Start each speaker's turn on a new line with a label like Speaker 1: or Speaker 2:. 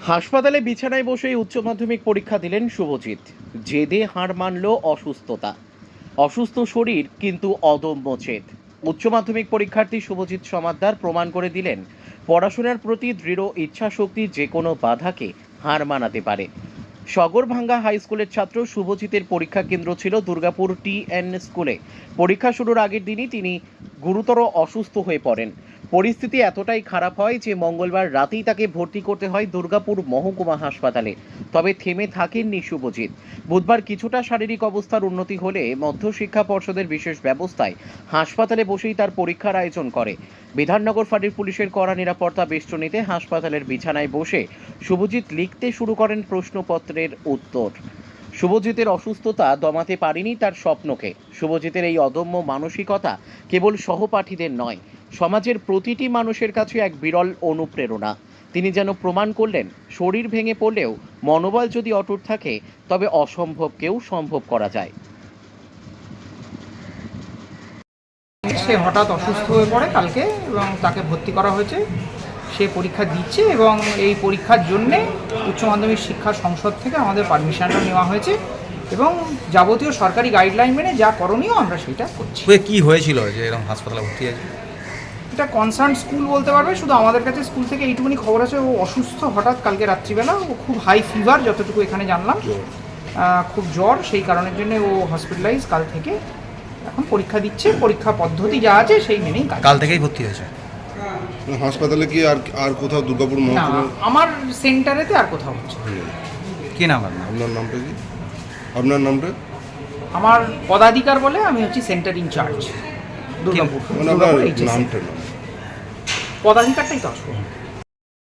Speaker 1: হাসপাতালে বিছানায় বসেই উচ্চ মাধ্যমিক পরীক্ষা দিলেন শুভজিৎ। জেদে হার মানল অসুস্থতা। অসুস্থ শরীর কিন্তু অদম্য জেদ। উচ্চ মাধ্যমিক পরীক্ষার্থী শুভজিৎ সমাদ্দার প্রমাণ করে দিলেন পড়াশোনার প্রতি দৃঢ় ইচ্ছাশক্তি যে কোনো বাধাকে হার মানাতে পারে। সগরভাঙ্গা হাই স্কুলের ছাত্র শুভজিতের পরীক্ষা কেন্দ্র ছিল দুর্গাপুর TN স্কুলে। পরীক্ষা শুরুর আগের দিনই তিনি গুরুতর অসুস্থ হয়ে পড়েন। পরিস্থিতি এতটাই খারাপ হয় যে মঙ্গলবার রাতেই তাকে ভর্তি করতে হয় দুর্গাপুর মহকুমা হাসপাতালে। তবে থেমে থাকেননি শুভজিৎ। বুধবার কিছুটা শারীরিক অবস্থার উন্নতি হলে মধ্যশিক্ষা পর্ষদের বিশেষ ব্যবস্থায় হাসপাতালে বসেই তার পরীক্ষার আয়োজন করে। বিধাননগর ফাঁড়ির পুলিশের কড়া নিরাপত্তা বেষ্টনীতে হাসপাতালের বিছানায় বসে শুভজিৎ লিখতে শুরু করেন প্রশ্নপত্রের উত্তর। শুভজিতের অসুস্থতা দমাতে পারেনি তার স্বপ্নকে। শুভজিতের এই অদম্য মানসিকতা কেবল সহপাঠীদের নয়, সমাজের প্রতিটি মানুষের কাছে এক বিরল অনুপ্রেরণা। তিনি যেন প্রমাণ করলেন, শরীর ভেঙে পড়লেও মনোবল যদি অটুট থাকে তবে অসম্ভবকেও সম্ভব করা যায়।
Speaker 2: সে হঠাৎ অসুস্থ হয়ে পড়ে কালকে এবং তাকে ভর্তি করা হয়েছে। সে পরীক্ষা দিচ্ছে এবং এই পরীক্ষার জন্যে উচ্চ মাধ্যমিক শিক্ষা সংসদ থেকে আমাদের পারমিশনটা নেওয়া হয়েছে এবং যাবতীয় সরকারি গাইডলাইন মেনে যা করণীয় আমরা সেটা করছি।
Speaker 3: কি হয়েছিল যে এরকম হাসপাতালে ভর্তি আছে?
Speaker 2: এটা কনসার্ন স্কুল বলতে পারবে, শুধু আমাদের কাছে স্কুল থেকে এইটুকুনি খবর আছে ও অসুস্থ হঠাৎ কালকে রাত্রিবেলা। ও খুব হাই ফিভার, যতটুকু এখানে জানলাম, খুব জ্বর, সেই কারণের জন্য ও হসপিটালাইজ কাল থেকে। এখন পরীক্ষা দিচ্ছে, পরীক্ষা পদ্ধতি যা আছে সেই মেনেই
Speaker 3: কাল থেকেই ভর্তি হয়েছে
Speaker 4: হাসপাতালে। কি আর কোথাও দুর্গাপুর
Speaker 2: না,
Speaker 4: মহকুমা?
Speaker 2: আমার সেন্টারেতে আর কোথাও হচ্ছে।
Speaker 3: কি নাম আপনার?
Speaker 4: আপনার নামটা কি? আপনার নামটা?
Speaker 2: আমার পদাধিকার বলে আমি হচ্ছি সেন্টার ইনচার্জ দুর্গাপুর।
Speaker 4: মানে আপনার
Speaker 2: দুর্গাপুর HSC
Speaker 4: নামটা না।
Speaker 2: পদাধিকারটাই তো আসবো।